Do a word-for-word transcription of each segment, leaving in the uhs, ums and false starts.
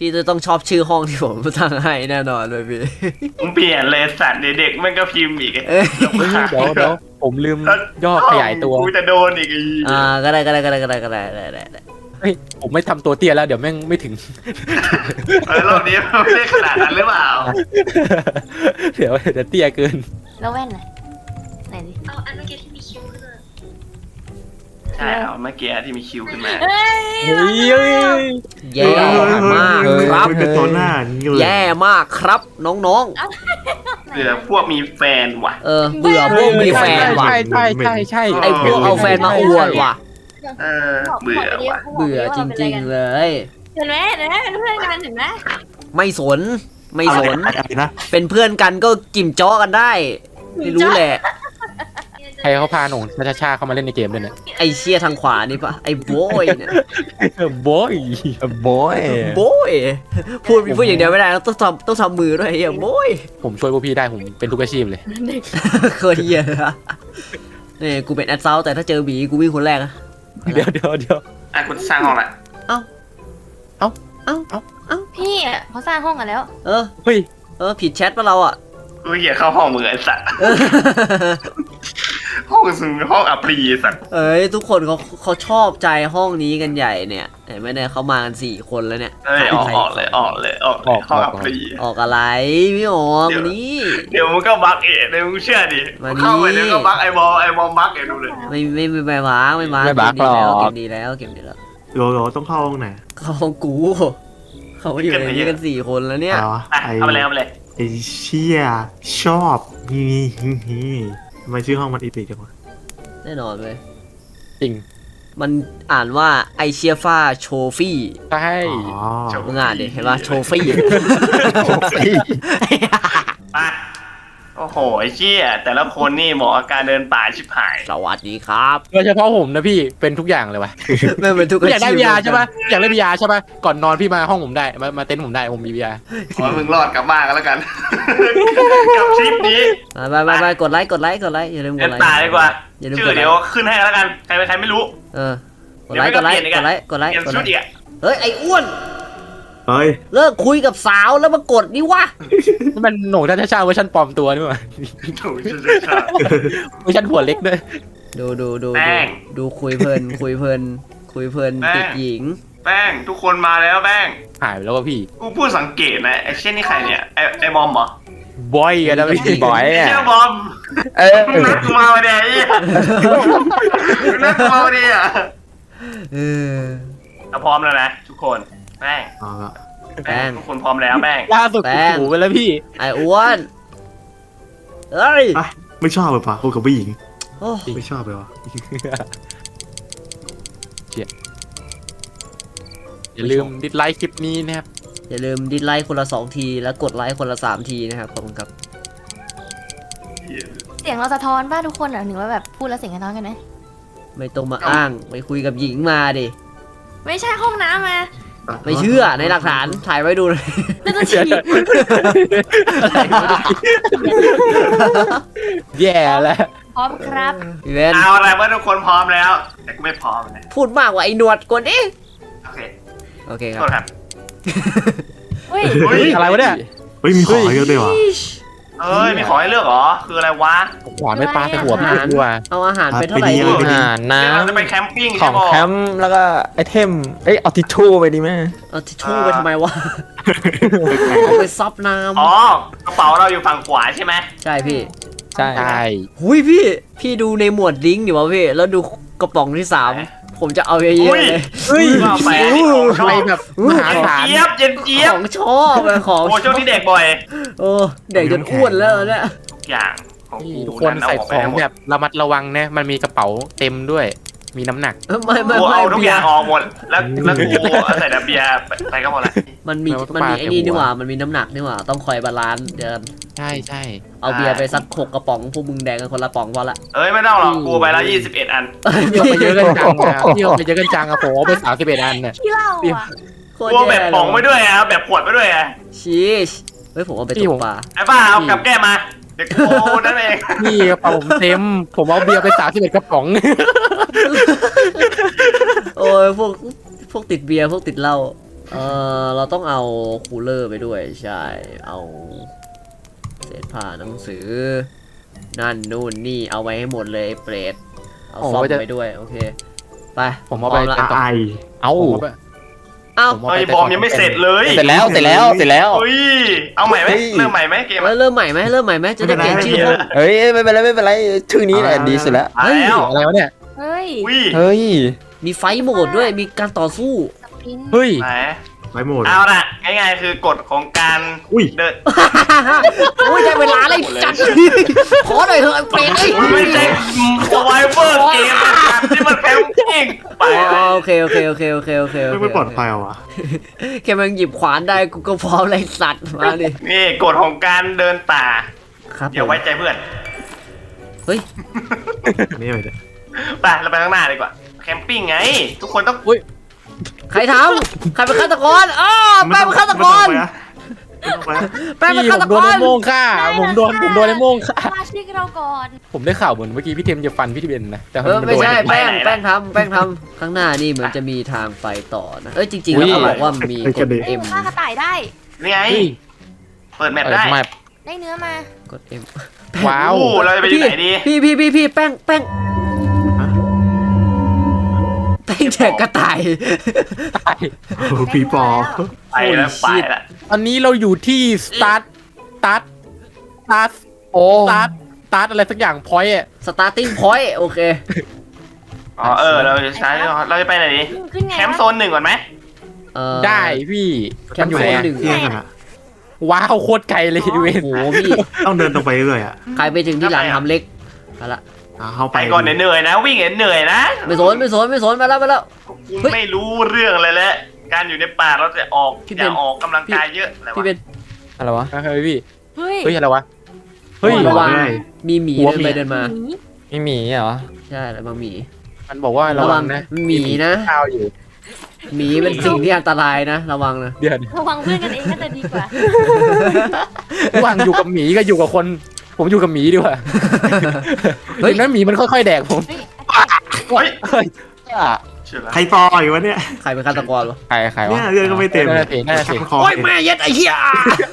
พี่จะต้องชอบชื่อห้องที่ผมตั้งให้แน่นอนเลยพี่มึงเปลี่ยนเลยสัตว์เด็กๆมันก็พิมพ์อีกเอ้ยเดี๋ยวเดี๋ยวผมลืมย่อขยายตัวกูจะโดนอีกอีอ่าก็ได้ก็ได้ก็ได้ก็ได้ก็ได้ได้ได้ได้เฮ้ยผมไม่ทำตัวเตี้ยแล้วเดี๋ยวแม่งไม่ถึงเออรอบนี้ไม่ได้ขนาดนั้นหรือเปล่าเดี๋ยวเดี๋ยวเตี้ยเกินแล้วแว่นน่ะไหนดิเอาอันเมื่อกี้ที่มีคิ้วขึ้นมาใช่เอาเมื่อกี้ที่มีคิวขึ้นมาเฮ้ยเฮ้ยเฮ้ยแย่มากครับเป็นตัวหน้าอย่างนี้เลยแย่มากครับน้องเผื่อพวกมีแฟนว่ะๆ เออเบื่อพวกมีแฟนว่ะใช่ใช่ใช่ใช่ไอพวกเอาแฟนมาอวดว่ะเออเบื่อว่ะเบื่อจริงๆเลยเห็นไหมเห็นไหมเป็นเพื่อนกันเห็นไหมไม่สนไม่สนอะไรนะเป็นเพื่อนกันก็กิ่มจ้อกันได้ไม่รู้แหละใครเขาพาหนุ่มชาชาเข้ามาเล่นในเกมด้วยเนี่ยไอเชี่ยทางขวานี่ปะไอโบยเนี่ยโบยบอยโบยพูดพูดอย่างเดียวไม่ได้ต้องทำต้องทำมือด้วยไอ้เหี้ยโบยผมช่วยพวกพี่ได้ผมเป็นทุกอาชีพเลยเคยเหี้ยนะนี่กูเป็นแอดเซาแต่ถ้าเจอบีกูวิ่งคนแรกอะเดี๋ยวเดี๋ยวเดี๋ยวอ่ะกูสร้างห้องละพี่อ่ะเขาสร้างห้องกันแล้วเออเฮ้ยเออผิดแชทปะเราอะกูเหี้ยเข้าห้องมึงไอ้สัตว์เออห้องซึ่งห้องอัปรีสัตว์เอ้ยทุกคนเขาเขาชอบใจห้องนี้กันใหญ่เนี่ยเห็นไหมเนี่ยเขามากันสี่คนแล้วเนี่ยเอ้ยออกออกเลยออกเลยออกเลยห้องอัปรีออกอะไรไม่ออกวันนี้เดี๋ยวมึงก็บักเองเดี๋ยวมึงเชื่อดิมานี่เข้าไปเดี๋ยวก็บักไอ้บอลไอ้บอลบักเดี๋ยวดูเลยไม่ไม่ไม่ไม่มาไม่มาไม่บักเก็บดีแล้วหรอกเก็บดีแล้วเก็บดีแล้วโหลโหลต้องเข้าห้องไหนเขาห้องกูเขาอยู่ในนี้กันสี่คนแล้วเนี่ยอ๋ออ่ะไอเอาไปเลยเอาไปเลยไอเชี่ยชอบนี่นี่นี่ทำไมชื่อห้องมันอีพิกจังวะแน่นอนเลยจริงมันอ่านว่าไอเชียฟ้าโชฟี่ใช่อ๋อมึงอ่านดิเห็นป่ะโชฟี่ไปโอ้โหไอ้เชี่ยแต่ละคนนี่เหมาะกับการเดินป่าชิบหายสวัสดีครับโดยเฉพาะผมนะพี่เป็นทุกอย่างเลยว่ะไม่เป็นทุกอยากได้บียาใช่ปะอยากได้บียาใช่ปะก่อนนอนพี่มาห้องผมได้มามาเต็นท์ผมได้ผมมีบียาขอให้มึงรอดกลับบ้านกันแล้วกัน กับทริปนี้ไปไปไปกดไลค์กดไลค์กดไลค์อย่าลืมกเดิดนไลค์ป่าดีกว่าอย่าลืมชื่กอดไลเดี๋ยวค์ขึ้นให้แล้วกันใครเป็นใครไม่รู้เออกดไลค์กดไลค์กดไลค์กดไลค์เปลี่ยนกดไลชุดค์อีกอะเฮ้ยไอ้อ้วนเฮ้ยเลิกคุยกับสาวแล้วมากดนี่วะนี่มันหนุ่มชาชาเวอร์ชันปลอมตัวนี่หว่าถูกใช่ใช่เวอร์ชันหัวเล็กด้วยดูดูดูแป้ดูงดูคุยเพลินคุยเพลินคุยเพลินแป้งติดหญิงแป้งทุกคนมาแล้วแป้งหายไปแล้วว่ะพี่กูพูดสังเกตนะไอ้เช่นนี่ใครเนี่ยไอ้ไอ้บอมเหรอบอยกันนะพี่บอยไอ้อ่ะเชี่ยบอมเออมึงนัดกูมาวันเดียวไอ้เหี้ยมึงนัดกูมาวันเดียวอะเออเราพร้อมแล้วนะทุกคนแป้งเอาละแป้งทุกคนพร้อมแล้วแป้งล่าสุดแป้งหูไปแล้วพี่ไอ้อ้วนเฮ้ยอ่ะไม่ชอบเลยปะพูดกับผู้หญิงโอ้ไม่ชอบเลยวะอย่าลืมดิสไลค์คลิปนี้นะครับอย่าลืมดิสไลค์คนละสองทีแล้วกดไลค์คนละสามทีนะครับขอบคุณครับเสียงเราสะท้อนป่ะทุกคนอ่ะหนึ่งว่าแบบพูดแล้วเสียงสะท้อนกันไหมไม่ต้องมาอ้างไปคุยกับหญิงมาดิไม่ใช่ห้องน้ำมาไม่เชื่อในหลักฐานถ่ายไว้ดูเลยน่าจะฉีดแย่แล้วพร้อมครับพี่เวนเอาอะไรเมื่อทุกคนพร้อมแล้ว แต่กูไม่พร้อมนะพูดมากกว่าไอ้หนวดกดดิโอเคโอเคคโทรับษครับเฮ้ยเฮ้ยอะไรวะเนี่ยเฮ้ยมีของให้เยอะด้วยวะเอ้ยมีของให้เลือกเหรอคืออะไรวะหวานไม่ปลาแต่หัวพี่ดีกว่าเอาอาหารไปเท่าไหร่ไปดีดีเลยอาหารน้เดี๋ยวเราจะไปแคมปิ้งำขใช่องปะแคมป์แล้วก็ไอเทม เอ้ยเอาทิชชู่ไปดีไหมเอาทิชชู่ไปทำไมวะเอาไปซับน้อ๋อกระเป๋าเราอยู่ฝั่งขวาใช่ไหมำใช่พี่ใช่ใช่หุยพี่ พี่ดูในหมวดลิงก์อยู่วะพี่ แล้วดูกระป๋องที่สามผมจะเอาเยอะๆเลยเฮ้ยว่าแฟนนี่ของชอะไรอบแบบมหาศาลเจี๊ยบเย็นเจี๊ยบของชอบเลยของโอ้ช่วงนี้เด็กบ่อยโอ้เด็กจนอ้วนแล้วเนี่ยทุกอย่างของนี่กูทุกคนใส่เาของไปแบบระมัดระวังนะมันมีกระเป๋าเต็มด้วย มีน้ำหนักไม่ไม่กูไม่เอาทุกเบีอย ย่างร์ออกหมดแล้วแล้วกูเอาใส่แต่เบียร์ไปไปก็หมดละมันมีแล้วก็มันมีปาไอ้นี่เต็มหัวนี่หว่ามันมีน้ำหนักนี่หว่าต้องคอยบาลานซ์เดี๋ยวใช่ใช่เอาเบียร์ไปสักหกกระป๋องพวกมึงแดงกันคนละป๋องพอละเอ้ยไม่ต้องหรอกกูไปละยี่สิบเอ็ดอันพี่เอาไปเยอะกันจังอะพี่เอาไปเยอะกันจังอะผมเอาไปสามสิบเอ็ดอันเนี่ยที่เล่าอ่ะโคตรกูเอาแบบย่ป๋องไปด้วยอ่ะแบบขวดไปด้วยอ่ะชีสเฮ้ยผมเอาไปตกปลาไอ้บ้าเอากับแก้มาเด็กโอ้นั่นเองนี่กระเป๋าผมเต็ม ผมเอาเบียร์ไปสามสิบเอ็ดกระป๋องโอ้ยพวกพวกติดเบียร์พวกติดเหล้าเออเราต้องเอาคูลเลอร์ไปด้วยใช่เอาเศษผ้าหนังสือนั่นนู่นนี่เอาไว้ให้หมดเลยไอ้เปรตเอาซ่อมไปด้วยโอเคไปผมเอาไปพร้ละเป็นไอเอ้าผมเอาไปเอ้าผมเอาไอ้ไปบอมยังไม่เสร็จเลยเสร็จแล้วเสร็จแล้วเสร็จแล้วเฮ้ยเอาใหม่ไหมเฮ้ยเริ่มใหม่ไหมเกมเอ้ยเริ่มใหม่ไหมเริ่มใหม่ไหมจะได้เปลี่ยนชื่อห้องเฮ้ยไม่เป็นไรไม่เป็นไรชื่อนี้แหละดีสุดแล้วมาแล้วอะไรวะเนี่ยเฮ้ยอุ้ยเฮ้ยมีไฟท์โหมดด้วยมีการต่อสู้สปรินต์เฮ้ยไหนไว้หมดเอาละง่ายๆคือกฎของการอุ้ยเดินโอ้ยได้เวลาเลยจัดขอหน่อยเถอะไอ้เปรตเอ้ยมันไม่ใช่สไวเวอร์เกมที่มันแคมปิ้งไปอ๋อโอเคโอเคโอเคโอเคโอเคโอไม่เคไม่ปลอดภัยเหรอวะแค่มันหยิบขวานได้กูก็พร้อมเลยสัตว์มาดินี่กฎของการเดินป่าครับอย่าไว้ใจเพื่อนเฮ้ยนี่อะไรเนี่ยไปเราไปข้างหน้าดีกว่าแคมปิ้งไง ทุกคนต้องใครทำใครเป็นฆาตกรอ้อแป้งเป็นฆาตกรไม่ต้องไปนะแป้งเป็นพี่ฆาผตมกโดนรไอ้โม่งฆ่าผมโดนผมโดนไอ้โม่งฆ่าสมาชิกเราก่อนผมได้ข่าวเหมือนเมื่อกี้พี่เทมจะฟันพี่ทิเบนนะแต่เออไม่ใช่นโดนแป้งแป้งทำแป้งทำข้างหน้านี่เหมือนจะมีทางไปต่อนะเอ้ยจริงๆแล้วเขาบอกว่ามีกดเอ้เอ็ยมฆ่ากระต่ายได้นี่ไงเฮ้ยเปิดแมปเออได้ไม่ได้เนื้อมากดเอ็มว้าวโอ้เราจะไปที่ไหนดีพี่พี่พี่พี่แป้งแป้งแป้งแจกกระต่ายตายโอ้โหผีปอบไปแล้วไปแล้วตอนนี้เราอยู่ที่สตาร์ทสตาร์ทสตาร์ทโอ้สตาร์ทสตาร์ทอะไรสักอย่างพอยต์ starting point โอเคอ๋อเออเราจะใช้เราจะไปไหนดีขึ้นไงแคมป์โซนหนึ่งก่อนไหมเอ่อได้พี่แคมัมนป์อยู่โซไหนนอะหนึ่งเที่ยงกันอะว้าวโคตรไกลเลยเวโอ้นโหพี่ต้องเดินตรงไปเรื่อยๆอ่ะใครไปถึงที่หลังทำเล็กเอาละอ่ะเข้าไปไปก่อนเหนื่อยๆนะ วิ่งเหนื่อยๆนะไม่สนไม่สนไม่สนมาแล้วมาแล้วคุณไม่รู้เรื่องอะไรแล้วการอยู่ในป่าเราจะออกพี่อเบนย่าออกกำลังกายเยอะอะไรวะพี่เป็นอะไรวะเฮ้ยพี่เฮ้ยเฮ้ยอะไรวะเฮ้ยระวังเรื่อยมีหมีหัวเดินหมีไปเดินมาหมีไม่มีเหรอใช่ระวังหมีมันบอกว่าระวังนะหมีนะข้าวอยู่หมีเป็นสิ่งที่อันตรายนะ ระวังนะเดือนระวังเพื่อนกันเองก็จะดีกว่าระหว่างอยู่กับหมีก็อยู่กับคน ผมอยู่กับหมีดีกว่าเฮ้ยถึงนั้นหมีมันค่อยๆแดกผมเฮ้ยเฮ้ยเฮ้ยเชื่อแล้วใครปล่อยวะเนี่ยใครเป็นฆาตกรวะใครใครเนี่วะยเรื่องก็ไม่เต็มน่าจะเสียน่าจะเสียคอโอ้ยแม่เย็ดไอ้เหี้ย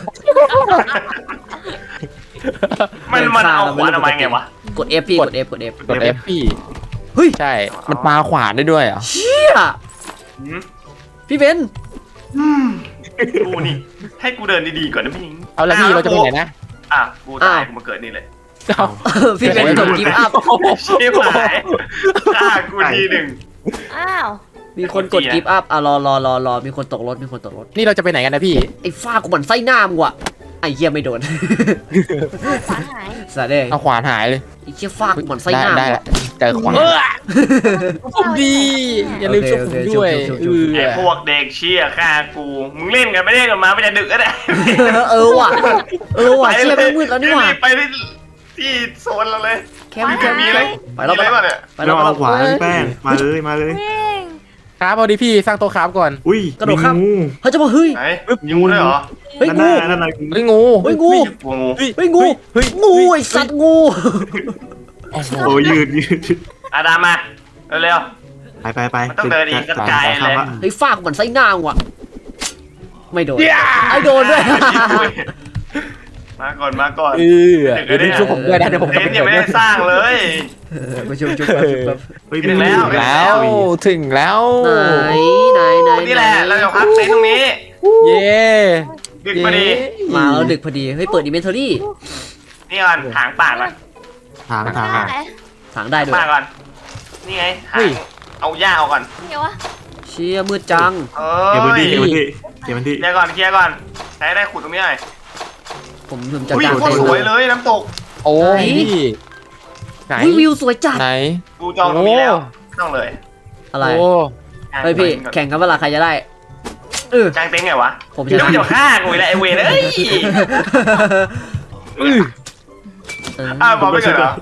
มันมันเอาขวานเอาไว้ไงวะกด F พี่กด F กด F กด F พี่เฮ้ยใช่มันปาขวานได้ด้วยเหรอเชี่ยหืมพี่เบนกูนี่ ให้กูเดินดีๆก่อนนะพี่หญิงเอาละพี่เราจะไปไหนนะอ่ะกูตายกูมาเกิดนี่เลยเอาพี่เบนกดกิฟต์อัพชิบหายฆ่ากูทีหนึ่งอ้าวมีคนกดกิฟต์อัพอ่ะรอรอรอรอมีคนตกรถมีคนตกรถนี่เราจะไปไหนกันนะพี่ไอ้ฟ้ากูเหมือนไส้หน้ามึงว่ะไอ้เหี้ยไม่โดนขวานหายสาเด้เอาขวานหายเลยไอ้เหี้ยฟ้ากูเหมือนไส้ได้หน้าได้มึงละเจอขวานเออผมดี อย่าลืมช่วยผมด้วยเออไอ้พวกเด็กเชี่ยฆ่ากู มึงเล่นกันไม่เล่นกันมาไม่จะดึกก็ได้เออว่ะเออว่ะเชี่ยไม่งมืดแล้วนี่หว่ารีบไปที่ที่โซนเราเลยแคมป์แคมป์มีแคอะไรมป์ไปแล้วมีไปอะไรแล้วบ้างเนี่ยไปแล้เราวเอาขวานพี่แป้งมาเลยมาเลยวิ่งครับเอาดิพี่สร้างโต๊ะครับก่อนอุ้ยกระโดดข้ามมีงูเขาจะมาเฮ้ยไหนมีงูด้วยเหรอเฮ้ยนั่นงูน่ะนั่นน่ะเฮ้ยงูเฮ้ยงูงูงูเฮ้ยงูเฮ้ยงูไอ้สัตว์งูโอ้โหโอ้ยืดยืดอาดามมาเร็วไปไปไปมันต้องเดินอีกกระจายเลยเฮ้ยฟ้ากูเหมือนไส้หน้ามึงว่ะไม่โดนไอ้โดนด้วยมาก่อนมาก่อนเออเดี๋ยวช่วยผมด้วยนะเดี๋ยวผมเต็จะนไปท์ยังไม่ได้สร้างเลยมาชุบชุบชุบชุบเฮ้ยถึงแล้วมีงูแล้วถึงแล้วไหนไหนไหนนี่แหละเราจะพักเต็นท์ตรงนี้เย้ดึกพอดีมาแล้วดึกพอดีเฮ้ยเปิดอินเวนทอรี่นี่ก่อนถางป่าก่อนถางถางไหนถางได้ด้วยป่าก่อนนี่ไงถางเอาหญ้าเอาก่อนเดี๋ยววะเชี่ยมืดจังเอเก็บพื้นที่้เก็บยพื้นที่เก็บพื้นที่เคลียร์ก่อนเคลียร์ก่อนใช้ได้ขุดตรงนี้หน่อยผมผมจะอุ้ยกางโคตรสวยเลยน้ำตกโอ้พี่ไหนอุ้ยวิวสวยจัดไหนกูจองตรงนี้แล้วต้องเลยอะไรโอ้เฮ้ยพี่แข่งกันเวลาใครจะได้เออจ้างเต็นท์ไงวะผมชเดี๋ยวนะมันจะฆ่ากูอีกแล้วไอเวรเอ้ยอื้อเอออ้าวบอกไม่เกิดเหรอ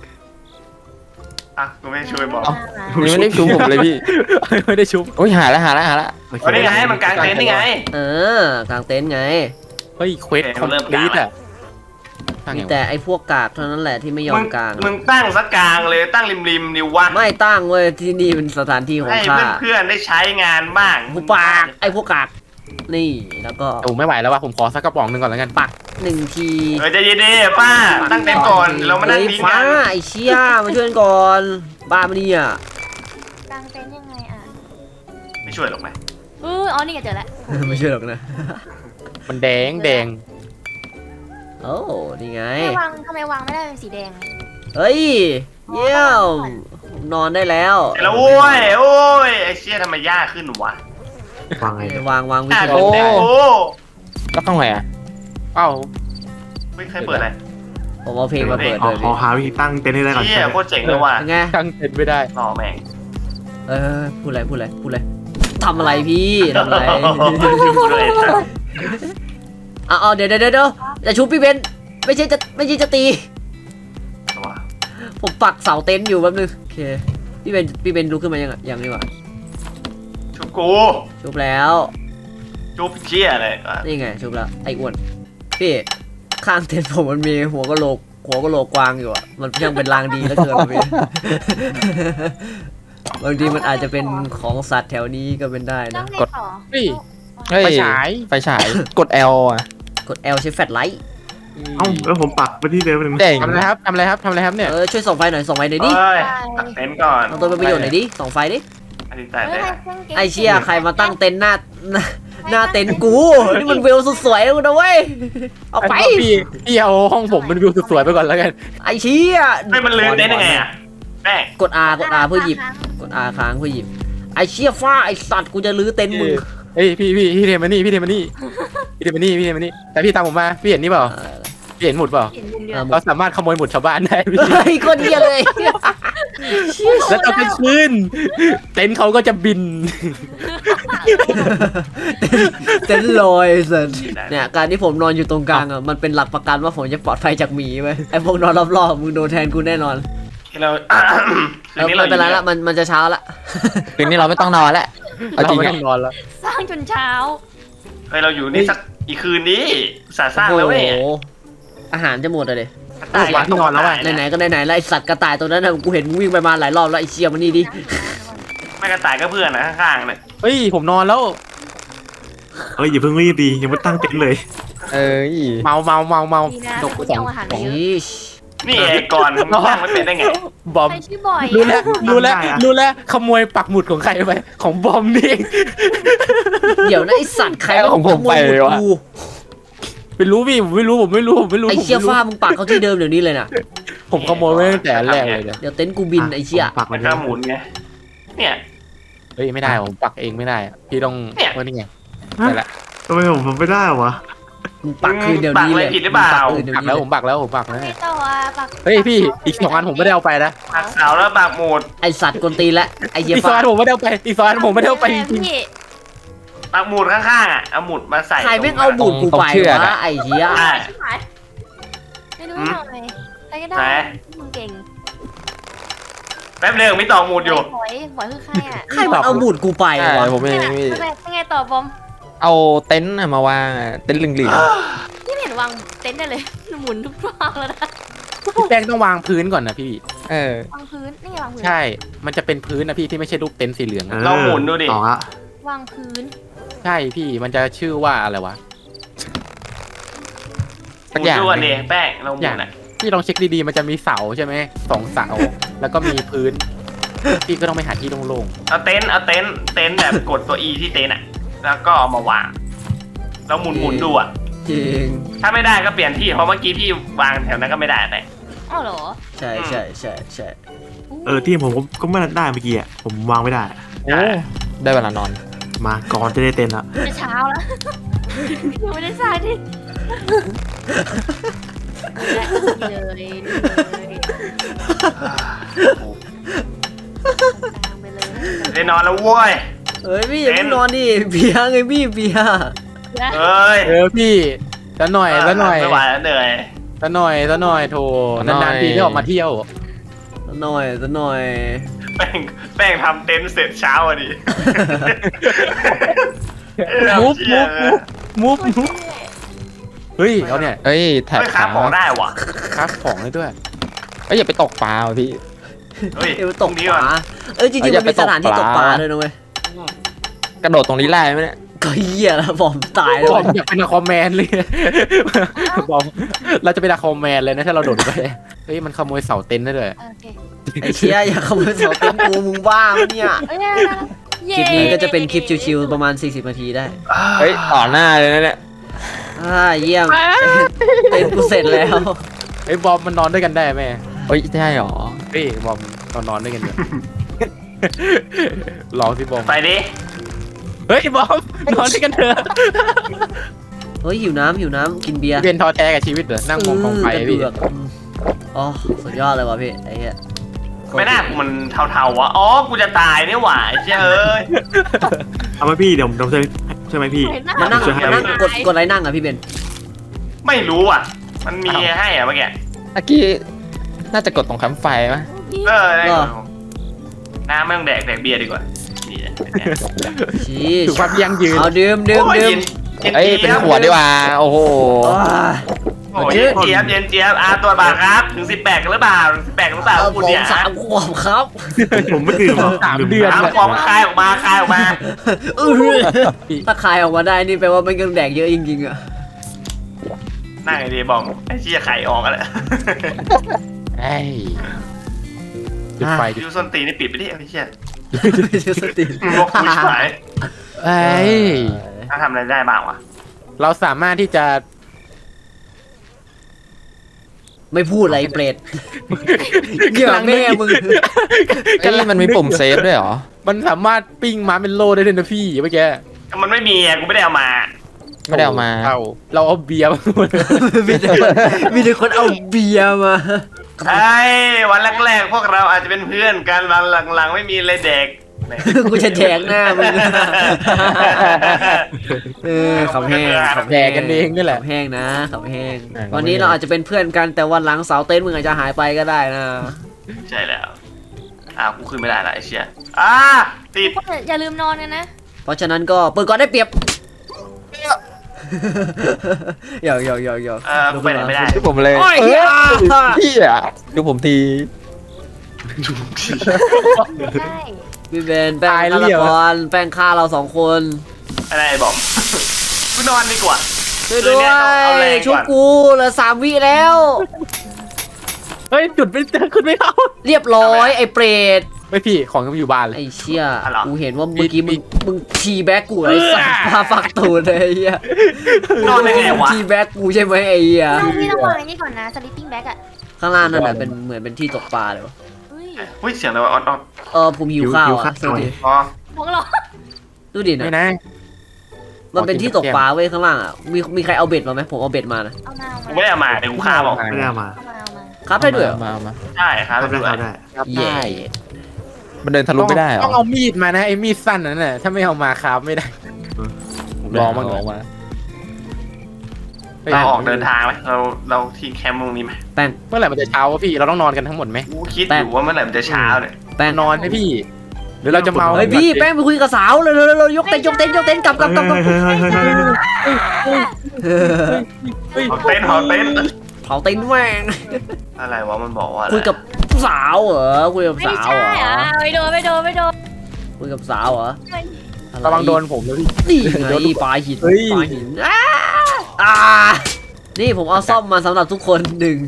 อ่ะกูไม่ช่วยบอกเอ้า นี่ไม่ได้ชูผมเลยพี่ไม่ได้ชุบโอ้ยหาแล้วหาแล้วหาแล้วโอเคเอาได้ไงมันกางเต็นท์นี่ไงเออกางเต็นท์ไงเฮ้ยเควสคอมพลีทอ่ะมีแต่ไอ้พวกกากเท่านั้นแหละที่ไม่ยอมึมงกางมึงตั้งสักกลางเลยตั้งริมริมๆดิวะไม่ตั้งเว้ยที่นี่เป็นสถานที่ของให้ข้าเพื่อนๆได้ใช้งานบ้างหูปากไอ้พวกกากนี่แล้วก็แต่ผมไม่ไหวแล้วว่ะผมขอสักกระป๋องหนึ่งก่อนแล้วกันปักหนึ่งทีเออใจเย็นดิป้าตั้งเต็นท์ก่อนเรามานั่งเฮ้ยดิ้งฟ้ากันไอ้เชี่ยมาช่วยกันก่อนบ้ามาเนี่ยกางเต็นท์ยังไงอ่ะไม่ช่วยหรอกนะเอออ๋อนี่ไงเจอแล้วไม่ช่วยหรอกนะมันแดงแดงโอ้นี่ไงทำไมวางทำไมวางไม่ได้เป็นสีแดงอะเฮ้ยเยี่ยมนอนได้แล้วเสร็จแล้วโอ้ยโอ้ยไอ้เชี่ยทำไมยากขึ้นวะวางไงเนี่ยวางวางวิยากธีขึ้นได้โอ้แล้วข้างไหนอ่ะเอ้าไม่เคยเปิดอะไรผมเอาเพลงมาเปิดขอเลยขอหาวิธีตั้งเต็นท์ให้ได้ก่อนเชี่ยโคตรเจ๋งเลยว่ะเป็นไงตั้งเต็นไม่ได้รอแม่งเออพูดอะไรพูดอะไรพูดอะไรทำอะไรพี่ทำอะไรดูเลยสัสเอาเอาเดี๋ยวเดี๋ยวเดี๋ยวจะชุบพี่เบนไม่ใช่จะไม่ใช่จะตีว่ะผมปักเสาเต็นท์อยู่แป๊บนึงโอเคพี่เบนพี่เบนลุกขึ้นมายังอ่ะยังนี่หว่าชุบกูชุบแล้วชุบเชี่ยเลยอ่ะนี่ไงชุบแล้วไอ้อ้วนพี่ข้างเต็นท์ผมมันมีหัวกะโหลกหัวกะโหลกกวางอยู่อ่ะมันยังเป็นรางดีแล้วเกินพี่ บางทีมันอาจจะเป็นของสัตว์แถวนี้ก็เป็นได้ต้อนะงไงต่อเฮ้ยเฮ้ยไฟฉายไฟฉายกด L อ่ะกด L ใช้แฟลชไลท์เอ้าแล้วผมปักไปที่เดิมนึงเจ๋งทำอะไรครับทำอะไรครับทำอะไรครับเนี่ยเออช่วยส่องไฟหน่อยส่องไฟหน่อยดิเฮ้ยตักเต็นท์ก่อนเอาตัวเป็นประโยชน์หน่อยดิส่องไฟดิอันนี้แต่เฮ้แต่ยเครื่องกมไอเชี่ยใครมาตั้งเต็นท์หน้าหน้าหน้าเต็นท์กูนี่มันวิวสุดสวยเลยนะเว้ยเอาไปพี่พี่เอาห้องผมเป็นวิวสวยๆไปก่อนแล้วกันไอเชี่ยไม่มันลืมเต็นท์ยังไงอ่ะแม่งกด R กด R เพื่อหยิบกด R ค้างเพื่อหยิบไอเชี่ยฟ้าไอสัตว์กูจะลื้อเต็นท์มึงเฮ้ยพี่พี่พี่เทมานี่พี่เทมานี่พี่เทมานี่พี่เทมานี่แต่พี่ตามผมมาพี่เห็นนี่เปล่าเออพี่เห็นหมุดเปล่าเห็นเดือนเดืออ่ะนเราสามารถขโมยหมุดชาวบ้านได้พี่เฮ้ยโคนเดียเลยแล้วตอนกลางคืนเต็นท์เขาก็จะบินเต็นท์ลอยสัตว์เนี่ยการที่ผมนอนอยู่ตรงกลางอ่ะมันเป็นหลักประกันว่าผมจะปลอดภัยจากหมีไปไอพวกนอนรอบๆมึงโดนแทนกูแน่นอนที่เราเออไม่เป็นไรละมันมันจะเช้าละคืนนี้เราไม่ต้องนอนแล้วเอาเราจริงไม่อ่ะต้องนอนแล้วสร้างจนเช้าเฮ้ยเราอยู่นี่สักอีกคืนนี้สาสร้างโอ้แล้วเว้ยโหอาหารจะหมดเลยตายวางที่นอนแล้วอะไหนๆก็ไหนๆแล้วไอสัตว์กระต่ายตัวนั้นนะกูเห็นมึงวิ่งไปมาหลายรอบแล้วไอเชี่ยมันนี่ดิไม่กระต่ายก็เพื่อนนะข้างๆเนี่ยเฮ้ยผมนอนแล้วเอ้ยอย่าเพิ่งรีบดียังไม่ตั้งเต็นท์เลยเอ้ยเมาเมาเมาเมาดีนะตกคุณสองเอาอาหารสมาองเยอะอีชนี่ไอ้ก่อนมึงตั้งไม่เป็นได้ไงบอมใครชื่อบ่อยรู้แล้วรู้แล้วได้อะรู้แล้วขโมยปักหมุดของใครไปของบอมนี่เองเดี๋ยวนะไอสัตว์ใครแล้วของผมไปวะกูไม่รู้พี่ผมไม่รู้ผมไม่รู้ผมไม่รู้ไอเชี่ยผมไม่รู้ฟ้ามึงปักเขาที่เดิมเดี๋ยวนี้เลยนะผมขโมยไว้ตั้งแต่แรกเลยเนี่ยเดี๋ยวเต็นท์กูบินไอเชี่ยผมปักมัไว้นที่ก็หมุนไงเนี่ยเฮ้ยไม่ได้ผมปักเองไม่ได้อะพี่ต้องเนี่ยว่านี่ไงได้ละทำไมผมทำไม่ได้วะมึงปักคืนเดี๋ยวนี้เลยปักอะไรผิดหรือเปล่ามึงปักคืนเดี๋ยวปักนี้แล้วเลผยมปักแล้วผมปักแล้วไม่เนี่ยต่ออ่ะปักเฮ้ยพี่อีกสองอันผมไม่ได้เอาไปนะปักเสาแล้วปักหมุดไอสัตว์กวนตีนและไอเชี่ยอีกสองฟ้าอันผมไม่ได้เอาไปอีกสองอันผมไม่ได้เอาไปจริงพี่ปักหมุดข้างๆอ่ะเอาหมุดมาใส่ใครแม่งเอาบูดกูไปวะไอเชี่ยใช่ชิบหายไม่รู้ทำไงใครก็ได้ไหนมึงเก่งแป๊บเดียวมีต่อหมุดอยู่บอยบอยคือใครอ่ะใครมันเอาบูดกูไปใช่วะผมเองพี่ทำไมทำไงต่อบอมเอาเต็นท์อะมาวางอะเต็นท์เหลืองนี่ไม่เห็นวางเต็นท์ได้เลยหมุนทุกรอบแล้วนะๆพี่แป้งต้องวางพื้นก่อนนะพี่ๆเออวางพื้นนี่ไงวางพื้นใช่ มันจะเป็นพื้นนะพี่ที่ไม่ใช่รูปเต็นท์สีเหลืองเออะอลองหมุนดูดิต่อละวางพื้นใช่พี่มันจะชื่อว่าอะไรวะหมุนดูก่อนดิแป้งเราหมุนอ่ะพี่ลองเช็คดีๆมันจะมีเสาใช่ไหมสองเสาแล้วก็มีพื้นพี่ก็ต้องไปหาที่โล่งเอาเต็นท์เอาเต็นท์เต็นท์แบบกดตัว E ที่เต็นท์อ่ะแล้วก็เอามาวางแล้วหมุนหมุนดูอ่ะจริงถ้าไม่ได้ก็เปลี่ยนที่เพราะเมื่อกี้พี่วางแถวนั้นก็ไม่ได้แต่อ้าวเหรอใช่ใช่ใช่ใช่เออที่ผมก็ก็ไม่ได้เมื่อกี้อ่ะผมวางไม่ได้ๆโอ้ได้เวลานอนมาก่อนจะได้เต็นท์ละจะเช้าแล้วยังไม่ได้สร้างที่เลยเลยตามไปเลยได้นอนแล้วเว้ยเฮ้ยพี่อย่าเพิ่งนอนดิเบียร์ไงพี่เบียร์เอ้ยเออพี่ซะหน่อยซะหน่อยไม่ไหวแล้วเหนื่อยซะหน่อยซะหน่อยโถซะหน่อยนานๆทีได้ออกมาเที่ยวสักหน่อยสักหน่อยแป้งแป้งทำเต็นท์เสร็จเช้าอ่ะดิมุฟมุฟมุฟมุฟเฮ้ยเอาเนี่ยเอ้ยแถบไม่ขาของได้ว่ะครับของเลยด้วยเอ้ยอย่าไปตกปลาว่ะพี่เฮ้ยเอวตกนี้ปก่อนลาเอ้ยจริงๆเอ้ยอมันย่าไปมีสถานที่ตตกกปปลาลาด้วยนะเว้ยกระโดดตรงนี้ได้ไหมเนี่ยก็เหี้ยแล้วบอมตายแล้วบอมอยากเป็นอะคอมแมนเลยบอมเราจะเป็นอะคอมแมนเลยนะถ้าเราโดดไปเฮ้ยมันขโมยเสาเต็นท์ได้เลยโอเคไอ้เชี่ยอย่าขโมยเสาเต็นท์กูมึงบ้าปะเนี่ยเอ้ยคลิปนี้ก็จะเป็นคลิปชิวๆประมาณสี่สิบนาทีได้เฮ้ยต่อหน้าเลยนะเนี่ยอ่าเยี่ยมเต็นท์กูเสร็จแล้วเฮ้ยบอมมันนอนด้วยกันได้ไหมเฮ้ยได้หรอเฮ้ยบอมนอนนอนด้วยกันเถอะลองสิบอมไปดิเฮ้ยบอมนอนด้วยกันเถอะเฮ้ยหิวน้ำหิวน้ำกินเบียร์เป็นท้อแท้กับชีวิตเหรอนั่งมองกองไฟกระพี่เดือกอืมอ๋อสุดยอดเลยว่ะพี่ไอ้เหี้ยไม่น่ากูมันเทาๆวะอ๋อกูจะตายนี่หว่าไอ้เชี่ยเอ้ยเอาไหมพี่เดี๋ยวผมช่วยใช่ไหมพี่มานั่งช่วยให้มานั่งกดกดอะไรนั่งอ่ะพี่เบนไม่รู้อ่ะ มันมีให้อ่ะเมื่อกี้เมื่อกี้น่าจะกดตรงแคมป์ไฟมั้ยเออได้ก่อนน้ำไม่ต้องแดกแดกเบียร์ดีกว่านี่แหละชี้ถือความยั่งยืนเอาดื่มดื่มโอ้ยดื่มเย็นเอ้ยเย็นเป็นจี๊ยบขวดดีกว่าโอ้โหโอ้ยโอ้ยเย็นเจี๊ยบเย็นเจี๊ยบอ่ะตัวจบาทครับ ถึงสิบแปดกันหรือเปล่าสิบแปดหรือเปล่าเอาคุณผมเนี่ยสามขวบครับผมไม่ดื่มหรอกสามเดือนน้ำฟองคายออกมาคายออกมาเออถ้าคายออกมาได้นี่แปลว่ามันก็แดกเยอะจริงๆอ่ะนั่งไอ้ดีบอมไอ้เชี่ยไข่ออกกันแหละเอ้ยจุดไฟจุดยูส้นตีนนี่ปิดไปดิไอ้เชี่ยไม่ใช่สติงกผู้ชายเอ้ยถ้าทำอะไรได้บ้างวะเราสามารถที่จะไม่พูดอะไรเปรตเหยื่อแม่มึงเอ้ยมันมีปุ่มเซฟด้วยเหรอมันสามารถปิ้งม้าเป็นโลได้ด้วยนะพี่เมื่อกี้มันไม่มีอ่ะกูไม่ได้เอามาไม่ได้เอามาเอาเราเอาเบียร์มาหมดมีแต่คนมีแต่คนเอาเบียร์มาไอ้วันแรกๆพวกเราอาจจะเป็นเพื่อนกันวันหลังๆไม่มีเลยเด็กกูจะแจกหน้ามึงเออขำแห้งขำแดห้กกันเองนี่แหละขำแห้งนะขำแห้งอ่ะวันนี้เราอาจจะเป็นเพื่อนกันแต่วันหลังเสาเต็นท์มึงอาจจะหายไปก็ได้นะใช่แล้วอ่ากูขึ้นไม่ได้ละไอ้เชี่ยอ่าติดอย่าลืมนอนกันนะเพราะฉะนั้นก็เปิดก่อนได้เปรียบหยอกหยอกหยอกหยอกเออกูไปไหนไม่ได้ดูผมเลยโอ้ยเอ้เหี้ยยพี่อ่ะดูผมทีได้พี่เบนแป้งฆาตกรแป้งฆ่าเราสองคนอะไรบอก กูนอนดีกว่าช่วยด้วยชุบกูเหลือสามวิแล้วเฮ้ยจุดไม่เจอขึ้นไม่เข้าเรียบร้อยไอ้เปรตไม่พี่ของยังอยู่บ้านเลยไอ้เชี่ยกูเห็นว่าเมื่อกี้มึงมึงทีแบ็กกูไอ้สัตว์พาฟักตูดเลยไอ้เหี้ยนอนได้ไงวะทีแบ็กกูใช่ไหมไอ้เหี้ยเราพี่ต้องวางอันนี้ก่อนนะ sleeping bag อ่ะข้างล่างนั่นแหละเป็นเหมือนเป็นที่ตกปลาเลยวะเฮ้ยอุ้ยเสียงอะไรวะออดออดเออผมหิวข้าวอ่ะดูดิอ๋อของเราดูดิไม่นะนะมันเป็นที่ตกปลาเว้ยข้างล่างอ่ะมีมีใครเอาเบ็ดมาไหมผมเอาเบ็ดมานะเอามาเอากูมาไม่ได้เอามาเดี๋ยวกูฆ่าบอกไม่ได้เอามาเอามาเอามาครับได้ด้วยเหรอมามาใช่ครับทำได้ด้วยทำได้ครับเย่ได้มันเดินทะลุไม่ได้เหรอต้องเอามีดมานะไอ้มีดสั้นนั่นน่ะถ้าไม่เอามาครับไม่ได้ลองมาลองมาเราออกเดินทางไหมเราเราทิ้งแคมป์ตรงนี้ไหมแป้งเมื่อไหร่มันจะเช้าวะพี่เราต้องนอนกันทั้งหมดไหมกูคิดอยู่ว่าเมื่อไหร่มันจะเช้าเนี่ยแป้งนอนไหมพี่ หรือเราจะเมาเฮ้ยพี่แป้งไปคุยกับสาวเลยเลยเลยยกเต็นท์ยกเต็นท์ยกเต็นท์กลับกลับกลับกลับเฮ้ยเฮ้ยเฮ้ยเฮ้ยเฮ้ยเฮ้ยเผาเต็นท์เผาเต็นท์เผาเต็นท์แม่งอะไรวะมันบอกว่าอะไรคุยกับสาวเหรอคุยกับไม่สาวใช่เหรออ่ะไม่โดนไม่โดนไม่โดนคุยกับสาวเหรออไระวังโดนผมนะพี่นี่ไงปลาหินเฮ้ยปลาหินอ้าอ่านี่ผมเอาซ่อมมาสำหรับทุกคนหนึ่ง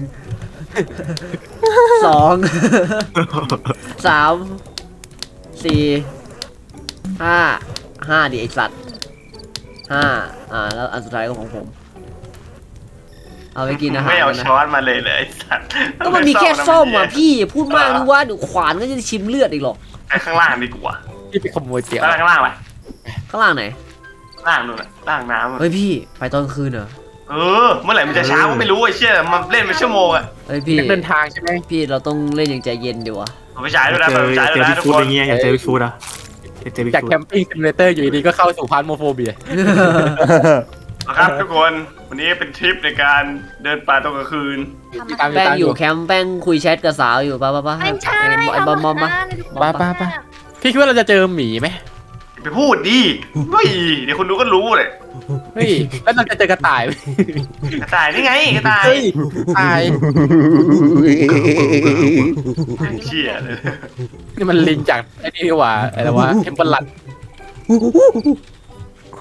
สองสามสี่ห้าห้าดิไอสัตว์ห้าอ่าแล้วอันสุดท้ายก็ของผม เอาไปกินอาหารไม่เอานะช้อนมาเลยเลยไอ้สัตว์ก็มันมีแค่ส้มอ่ะพี่พูดมากนึกว่าเดี๋ยวขวานก็จะชิมเลือดอีกหรอกไปข้างล่างดีกว่าพี่ไปขโมยเตี๋ยวข้างล่างข้างล่างไปข้างล่างไหนล่างนู่นน่ะล่างน้ำอะเฮ้ยพี่ไปตอนกลางคืนเหรอเออเมื่อไหร่มันจะเช้าก็ไม่รู้ไอ้เชี่ยมันเล่นเป็นชั่วโมงอะเฮ้ยพี่นักเดินทางใช่ไหมพี่เราต้องเล่นอย่างใจเย็นดีวะผมไปฉายด้วยนะเจไปอฉายเจด้วยอนะบิ๊กทุกฟูดคอน ย่างเงี้ยอยากเจอบิ๊กฟูดอ่ะอยากเจอบิ๊กจากฟูดแคมปิ้งซิมูเลเตอร์อยู่ดีๆก็เข้าสู่พาร์ทโมโฟเบียนะครับทุกคนวันนี้เป็นทริปในการเดินป่าตอนกลางคืนทำมาแป้งอยู่แคมป์แป้งคุยแชทกับสาวอยู่ป่ะป่ะป่ะไม่ใช่ไอ้บอมบอมป่ะป้าป้าป้าพี่คิดว่าเราจะเจอหมีไหมไปพูดดิเฮ้ยเดี๋ยวคนดูก็รู้เลยเฮ้ยแล้วเราจะเจอกระต่ายไหมกระต่ายนี่ไงกระต่ายเฮ้ยตายเชี่ยเลยนี่มันลิงจากไอ้นี่นี่หว่าอะไรวะเทมเปลัด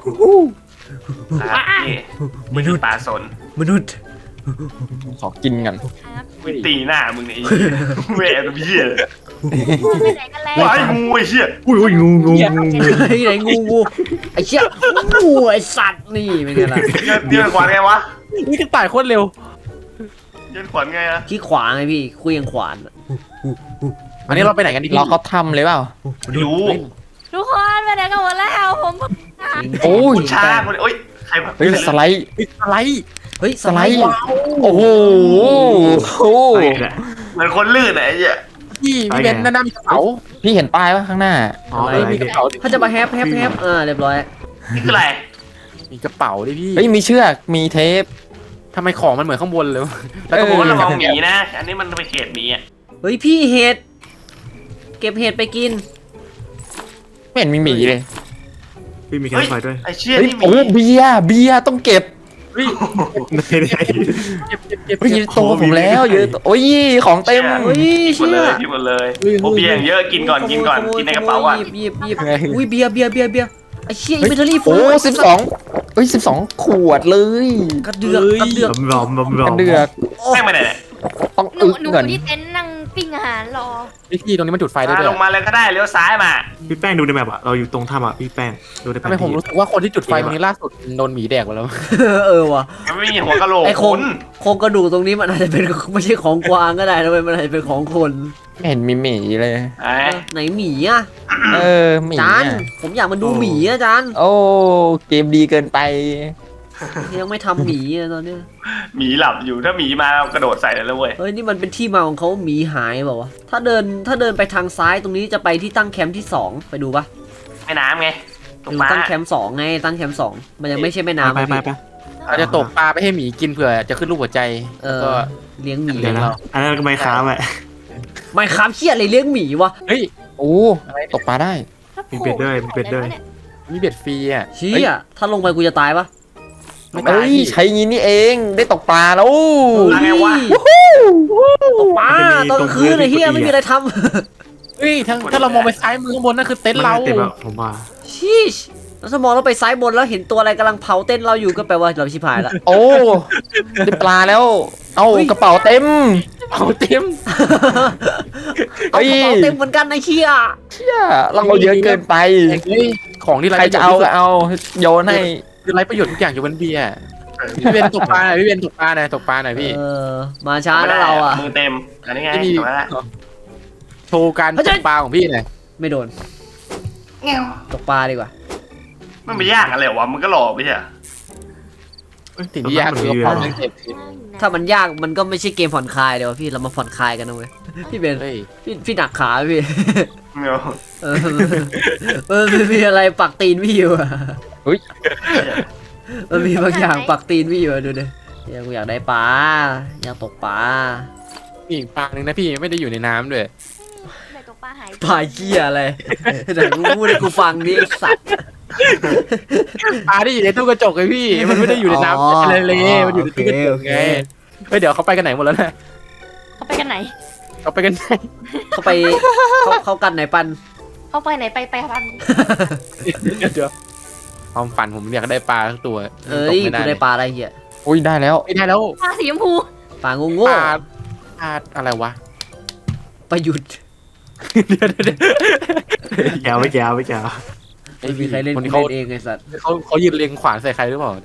ครับนี่มนุษย์ปลาสนมนุษย์ขอกินกันครับไม่ตีหน้ามึงเนี่ยไอ้เหี้ยแหวกเบี้ยไปไหนกันแล้วว้ายงูไอ้เหี้ยอุ้ยอุ้ยงูงูงูงูไอ้ไหนงูงูไอ้เชี่ยงูไอ้สัตว์นี่เป็นไงล่ะเดือนขวานไงวะนี่กระต่ายโคตรเร็วเดือนขวานไงอะขี้ขวางไงพี่คุยยังขวานอันนี้เราไปไหนกันดีพี่เราเขาทำเลยเปล่าไม่รู้ทุกคนไปไหนกันหมดแล้วผมโอ้ยช้าคนโอ้ยใครเฮ้ยสไลด์เฮ้ยอะไรเฮ้ยสสไลไลด์ด์โอ้โหโอ้ไปแหละเหมือนคนลื่นอะไอ้เหี้ยพี่พี่เบนซ์หน้ามีกระเป๋าพี่เห็นป้ายปะข้างหน้าอ๋อเฮ้อะยไรมีกเนี่ระยเป๋าถ้าจะมาแฮปแฮปแฮปอ่าเรียบร้อยนี่คืออะไรมีกระเป๋าดิพี่เฮ้ยมีเชือกมีเทปทำไมของมันเหมือนข้างบนเลยวะแล้วเอก็อบอกว่าระเราวังหมีนะ อันนี้มันไปเขตหมีอะเฮ้ยพี่เห็ดเก็บเห็ดไปกินไม่เห็นมีหมีเลยพี่มีแคมเฮ้ยป์ไฟด้วยไอ้เชี่ยเฮ้ยนี่หมีโอ้เบียร์เบียร์ต้องเก็บเฮ้ยไหนไหนเก็บเก็บเก็บเฮ้ยเก็บโตผมแล้วเยอะโอ้ยของเต็มเฮ้ยกินหมดเชี่เลย ยกินหมดเลยโอเบียงเยอะกินก่อนกินก่อนกินในกระเป๋าอ่ะหยิบหยิบหยิบอุ้ยเบียร์เบียร์เบียร์เบียร์ไอ้เชี่ยอินเวนทอรี่ฟูโอ้สิบสองเฮ้ยสิบสองขวดเลยกระเดือกกระเดือกบอมบอมบอมกันเดือกแม่งไปไหนเนี่ยต้องหนูอึกหนูก่อนที่เต็นท์นั่งปิ้งอาหารรอพี่พี่ตรงนี้มันจุดไฟได้อ่ะด้วยลงมาเลยก็ได้เลี้ยวซ้ายมาพี่แป้งดูในแมปอะเราอยู่ตรงถ้ำอะพี่แป้งดูในแผทำนไมที่ผมรู้สึกว่าคนที่จุดไฟตรงนี้ล่าสุดโดนหมีแดกไปแล้วเออว่ะมันไม่มีหัวกะโหลกไอโครคุงณโครงกระดูกตรงนี้มันอาจจะเป็นไม่ใช่ของกวางก็ได้นะเว้ยมันอาจจะเป็นของคนไม่เห็นมีหมีเลยไอ้เออไหนหมีอ่ะเออหมีจานอะผมอยากมาดูหมีอ่ะจานโอ้เกมดีเกินไปยังไม่ทำหมีอ่ะตอนเนี้ยหมีหลับอยู่ถ้าหมีมากระโดดใส่เลยแล้วเว้ยเฮ้ยนี่มันเป็นที่มาของเขาหมีหายเปล่าวะถ้าเดินถ้าเดินไปทางซ้ายตรงนี้จะไปที่ตั้งแคมป์ที่สองไปดูปะแม่น้ำไงตไปกดูปลาตั้งแคมป์สองไงตั้งแคมป์สองมันยังไม่ใช่แม่น้ำไปอะไปพี่ไปเราจะตกปลาไปให้หมีกินเผื่อจะขึ้นรูปหัวใจเอแล้วอก็เลี้ยงหมีเดี๋ยวนะอันนั้นก็ไม่ค้าแหละไม่ครับเชี่ยอะไรเลี้ยงหมีวะเฮ้ยโอ้ตกปลาได้มีเบ็ดด้วยมีเบ็ดด้วยมีเบ็ดฟรีอ่ะเชี่ยถ้าลงไปกูจะตายปะไม่ตาเอ้ยยพี่ใช้งี้นี่เองได้ตกปลาแล้วมาไงวะตกปลาตอนกลางคืนไอ้เฮียไม่มีอะไรทเฮ้ยถ้าถ้าเรามองไปซ้ายมือข้างบนนั่นคือเต็นท์เราเต็มแล้วผมว่าำชีชแล้วสมองเราไปซ้ายบนแล้วเห็นตัวอะไรกำลังเผาเต้นเราอยู่ก็แปลว่าเราชิบหายละโอ้ได้ปลาแล้ว เอากระเป๋าเต็มเอาเต็มเอากระเป๋าเต็มเหมือนกันไอ้เชี่ยเชี่ยเราเอาเยอะเกินไปเฮ้ยของที่ใครจะเอาก็เอาโยนให้คือไรประโยชน์ทุกอย่างอยู่บนเบียร์พี่เบนตกปลาหน่อยพี่เบนตกปลาหน่อยตกปลาหน่อยพี่เออมาช้าแล้วเราอ่ะมือเต็มอันนี้ไงไม่มีถูกแล้วโชว์การตกปลาของพี่หน่อยไม่โดนตกปลาดีกว่ามันไม่ยากอะไรวะมันก็หล่อไปใช่สิ่งที่ยากคือกระเป๋าเงินเก็บถ้ามันยากมันก็ไม่ใช่เกมผ่อนคลายเดี๋ยวพี่เรามาผ่อนคลายกันนะเว้ยพี่เบนเฮ้ยพี่พี่หนักขาพี่เมียวเออเออมันมีอะไรปักตีนพี่อยู่อะเฮ้ยมันมีบางอย่างปักตีนพี่อยู่อะดูดิอยากอยากได้ปลาอยากตกปลามีอีกปลาหนึ่งนะพี่ไม่ได้อยู่ในน้ำด้วยไหนตกปลาหายปลาเกี้ยอะไรแต่กูพูดให้กูฟังดิไอ้สัตว์ปลาที่อยู่ในตู้กระจกไงพี่ มันไม่ได้อยู่ในน้ำทะเลมันอยู่ในตู้กระจกไงเฮ้ยเดี๋ยวเขาไปกันไหนหมดแล้วนะเขาไปกันไหนเขาไปกันไหนเขาไปเขาเขากันไหนปันเขาไปไหนไปไปพันเดี๋ยวเดี๋ยวความฝันผมอยากได้ปลาทั้งตัวเอ้ตยกไม่กูได้ได้ปลาอะไรเหี้ยอุ้ยได้แล้วไม่ได้แล้วปลาสีชมพูปลาโง่ปโง่ลาปลาอะไรวะประยุทธ์เดี๋ยวเดี๋ยวเดี๋ยวแกวไม่แกวไม่แกวไม่มีใครเล่นคนกูเขาเล่นเองไอ้สัตว์เขาเขายืนเรียงขวานใส่ใครหรือเปล่า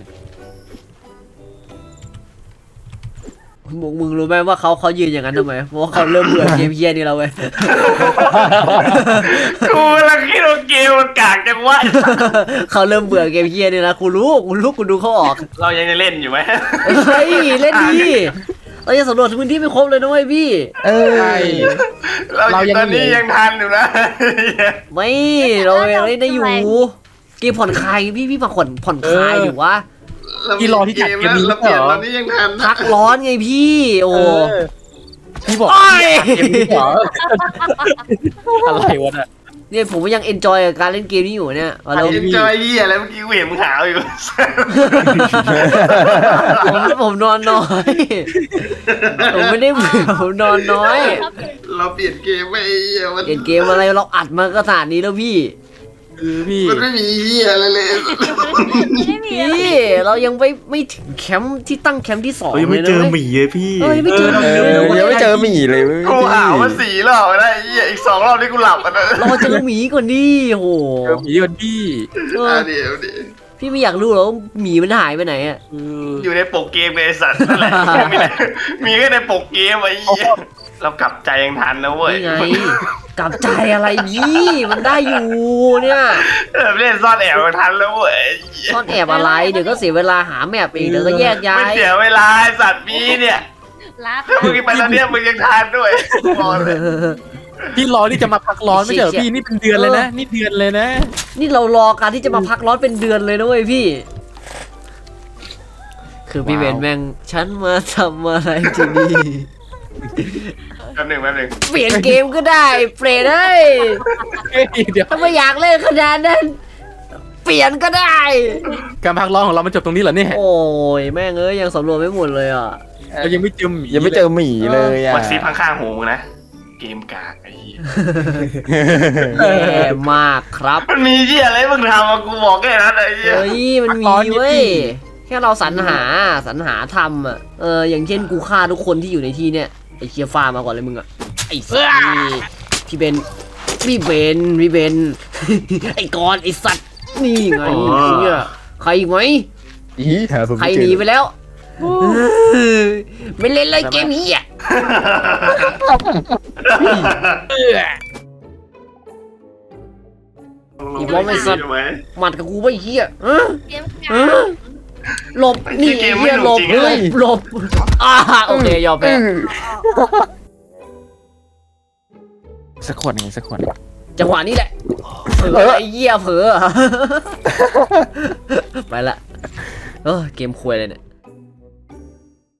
มึงมึงรู้ไหมว่าเขาเขายืนอย่างนั้นทำไมเพราะว่าเขาเริ่มเบื่อเกมเฮียนี่แล้วเว้ยกูกำลังคิดว่าเกมมันกากจังวะเขาเริ่มเบื่อเกมเฮียนี่แล้วกูรู้กูรู้กูดูเขาออกเรายังจะเล่นอยู่ไหมเฮ้ยเล่นดีเราจะสำรวจพื้นที่ไม่ครบเลยนะเว้ยพี่เออใช่เราอยู่ตอนนี้ยังทันอยู่นะไม่เรายังเล่นได้อยู่เกมผ่อนคลายพี่พี่มาผ่อนผ่อนคลายอยู่วะพี่รอที่จัดเกมนี้เราเหเปลี่ยนรอตอนนี้ยังทันพักร้อนไงพี่โอ้เออพี่บอกโอ้ยเกมนี้เหรออะไรวะน่ะเนี่ยผมก็ยังเอนจอยกับการเล่นเกมนี้อยู่เนี่ยเอาแล้วเอ็นจอยยี่อะไรเมื่อกี้กูเห็นมึงหาวอยู่ผมผมนอนน้อยผมไม่ได้เบื่อผมนอนน้อยเราเปลี่ยนเกมไปไอ้เหี้ยมันเล่นเกมอะไรเราอัดมาขนาดนี้แล้วพี่เออพี่มันไม่มีเหี้ยอะไรเลยไม่มีอะไรพี่เรายังไม่ไม่ถึงแคมป์ที่ตั้งแคมป์ที่สองเรายังเลไม่ยนะเจอหเว้ยมีเลยพี่เออยังไม่เจอหมีเอเลยอนะเว้ยยังไม่เจอหมีเลยเว้ยกูอ่าวมาสี่รอบแล้วไอ้เหี้ยอีกสองรอบนี่กูหลับอ่ะนะรอเจอหมีก่อนดิโหเจอหมีกันพี่เอออ่ะเดี๋ยวเดี๋ยวพี่ไม่อยากรู้หรอกว่าหมีมันหายไปไหนอ่ะเอออยู่ในปกเกมเลยไอ้สัตว์นั่นแหละมีแต่มีแค่ในปกเกมไอ้เหี้ยเรากลับใจยังทันนะเว้ยนี่ไงกลับใจอะไรพี่มันได้อยู่เนี่ยเออเล่นซ่อนแอบยังทันแล้วเว้ยซ่อนแอบอะไรเดี๋ยวก็เสียเวลาหาแมปอีกเดี๋ยวก็แยกย้าไม่ยเสียเวลาไอ้สัตว์มีเนี่ยลาถ้ามึงไปตอนเนี้ยมึงยังทันด้วยบอกเลยพี่รอที่จะมาพักร้อนไม่ใช่เหรอพี่นี่เป็นเดือนเลยนะนี่เดือนเลยนะนี่เรารอการที่จะมาพักร้อนเป็นเดือนเลยนะเว้ยพี่ คือพี่เบนแม่งฉันมาทำอะไรที่นี่แป๊บหนึ่งแป๊บหนึ่งเปลี่ยนเกมก็ได้เปลี่ยนได้เฮ้ยเดี๋ยวถ้าไม่อยากเล่นขนาดนั้น เปลี่ยนก็ได้การพักร้อนของเรามันจบตรงนี้เหรอเนี่ยโอ้ยแม่งเอ้ยยังสำรวจไม่หมดเลยอ่ะเรายังไม่เจอหมียังไม่เจอหมีเลยอ่ะมันซีข้างๆหูมึงนะเกมกากไอ้เหี้ยแย่มากครับมันมีเหี้ยอะไรมึงทำอะกูบอกแค่นั้นไอ้เหี้ยเฮ้ยมันมีเว้ยแค่เราสรรหาสรรหาทำอ่ะเอออย่างเช่นกูฆ่าทุกคนที่อยู่ในที่เนี้ยไอเคียฟ้ามาก่อนเลยมึงอ่ะไอ้สัตว์นี่พี่เบนพี่เบนพี่เบน ไอ้กอนไอ้สัตว์นี่ไงเชี่ยใครอีกไหมอีหาผมใครไม่หเจนีอไปแล้ว ไม่เล่นเลยเกมนี้อ่ะ อีบอมไอ้สัตว์ หมัดกับกูไปเฮียเออเกมเออหลบนี่เฮียหลบหลบหลบอ่าโอเคยอมแพ้สักขวดหนึ่งสักขวดจังหวะนี้แหละเผลอไอ้เหี้ยเผลอ ไปละเออเกมควยเลยเนี่ย